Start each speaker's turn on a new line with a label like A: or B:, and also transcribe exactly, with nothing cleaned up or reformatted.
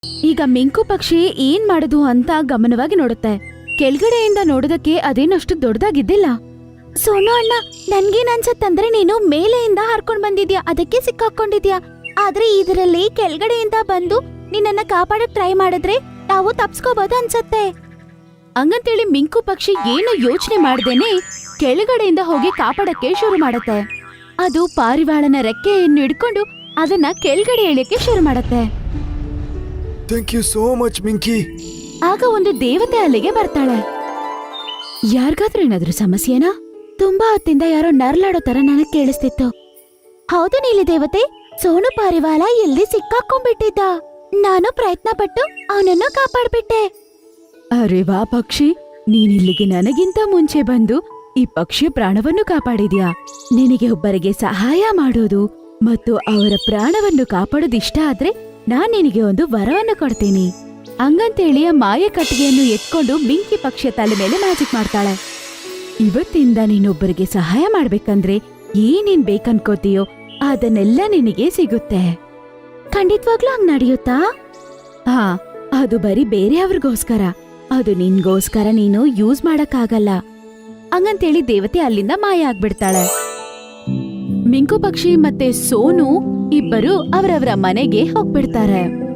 A: ಈಗ ಮಿಂಕು ಪಕ್ಷಿ ಏನ್ ಮಾಡುದು ಅಂತ ಗಮನವಾಗಿ ನೋಡುತ್ತೆ. ಕೆಳಗಡೆಯಿಂದ ನೋಡೋದಕ್ಕೆ ಅದೇನಷ್ಟು ದೊಡ್ಡದಾಗಿದ್ದಿಲ್ಲ. ಸೋನು ಅಣ್ಣ, ನನ್ಗೇನ್ ಅನ್ಸತ್ತಂದ್ರೆ ನೀನು ಮೇಲೆಯಿಂದ ಹಾರ್ಕೊಂಡ್ ಬಂದಿದ್ಯಾ, ಅದಕ್ಕೆ ಸಿಕ್ಕಾಕೊಂಡಿದ್ಯಾ. ಆದ್ರೆ ಇದರಲ್ಲಿ ಕೆಳಗಡೆಯಿಂದ ಬಂದು ನಿನ್ನನ್ನ ಕಾಪಾಡಕ್ ಟ್ರೈ ಮಾಡಿದ್ರೆ ನಾವು ತಪ್ಸ್ಕೋಬಹುದು ಅನ್ಸತ್ತೆ. ಹಂಗಂತೇಳಿ ಮಿಂಕು ಪಕ್ಷಿ ಏನು ಯೋಚನೆ ಮಾಡ್ದೇನೆ ಕೆಳಗಡೆಯಿಂದ ಹೋಗಿ ಕಾಪಾಡಕ್ಕೆ ಶುರು ಮಾಡತ್ತೆ. ಅದು ಪಾರಿವಾಳನ ರೆಕ್ಕೆಯನ್ನು ಹಿಡ್ಕೊಂಡು ಅದನ್ನ ಕೆಳಗಡೆ ಎಳಿಯಕ್ಕೆ ಶುರು ಮಾಡತ್ತೆ.
B: Thank you so much Minki.
A: ಆಗ ಒಂದು ದೇವತೆ ಅಲ್ಲಿಗೆ ಬರ್ತಾಳೆ. ಯಾರಿಗಾದ್ರೂ ಏನಾದ್ರೂ ಸಮಸ್ಯೆನಾ? ತುಂಬಾ ಹೊತ್ತಿಂದ ಯಾರೋ ನರ್ಲಾಡೋ ತರ ನನಗ್ ಕೇಳಿಸ್ತಿತ್ತು. ಹೌದು ನೀಲಿ ದೇವತೆ, ಸೋನು ಪಾರಿವಾಳ ಎಲ್ಲಿ ಸಿಕ್ಕಾಕೊಂಡ್ಬಿಟ್ಟಿದ್ದ. ನಾನು ಪ್ರಯತ್ನ ಪಟ್ಟು ಅವನನ್ನು ಕಾಪಾಡ್ಬಿಟ್ಟೆ. ಅರೆ ವಾ ಪಕ್ಷಿ, ನೀನಿಲ್ಲಿಗೆ ನನಗಿಂತ ಮುಂಚೆ ಬಂದು ಈ ಪಕ್ಷಿಯ ಪ್ರಾಣವನ್ನು ಕಾಪಾಡಿದ್ಯಾ. ನಿನಗೆ ಒಬ್ಬರಿಗೆ ಸಹಾಯ ಮಾಡೋದು ಮತ್ತು ಅವರ ಪ್ರಾಣವನ್ನು ಕಾಪಾಡೋದು ಇಷ್ಟ ಆದ್ರೆ ನಾನ್ ನಿನಗೆ ಒಂದು ವರವನ್ನು ಕೊಡ್ತೀನಿ. ಹಂಗಂತೇಳಿ ಆ ಮಾಯ ಕಟ್ಟಿಗೆಯನ್ನು ಎತ್ಕೊಂಡು ಮಿಂಕಿ ಪಕ್ಷಿಯ ತಲೆ ಮೇಲೆ ಮ್ಯಾಜಿಕ್ ಮಾಡ್ತಾಳೆ. ಇವತ್ತಿಂದ ನೀನೊಬ್ಬರಿಗೆ ಸಹಾಯ ಮಾಡ್ಬೇಕಂದ್ರೆ ಏನೇನ್ ಬೇಕನ್ಕೋತೀಯೋ ಅದನ್ನೆಲ್ಲ ನಿನಗೆ ಸಿಗುತ್ತೆ. ಖಂಡಿತವಾಗ್ಲೂ ಹಂಗ್ ನಡೆಯುತ್ತಾ? ಹಾ, ಅದು ಬರೀ ಬೇರೆಯವ್ರಿಗೋಸ್ಕರ, ಅದು ನಿನ್ಗೋಸ್ಕರ ನೀನು ಯೂಸ್ ಮಾಡಕ್ಕಾಗಲ್ಲ. ಹಂಗಂತೇಳಿ ದೇವತೆ ಅಲ್ಲಿಂದ ಮಾಯ ಆಗ್ಬಿಡ್ತಾಳೆ. ಮಿಂಕು ಪಕ್ಷಿ ಮತ್ತೆ ಸೋನು ಇಬ್ಬರು ಅವರವರ ಮನೆಗೆ ಹೋಗ್ಬಿಡ್ತಾರೆ.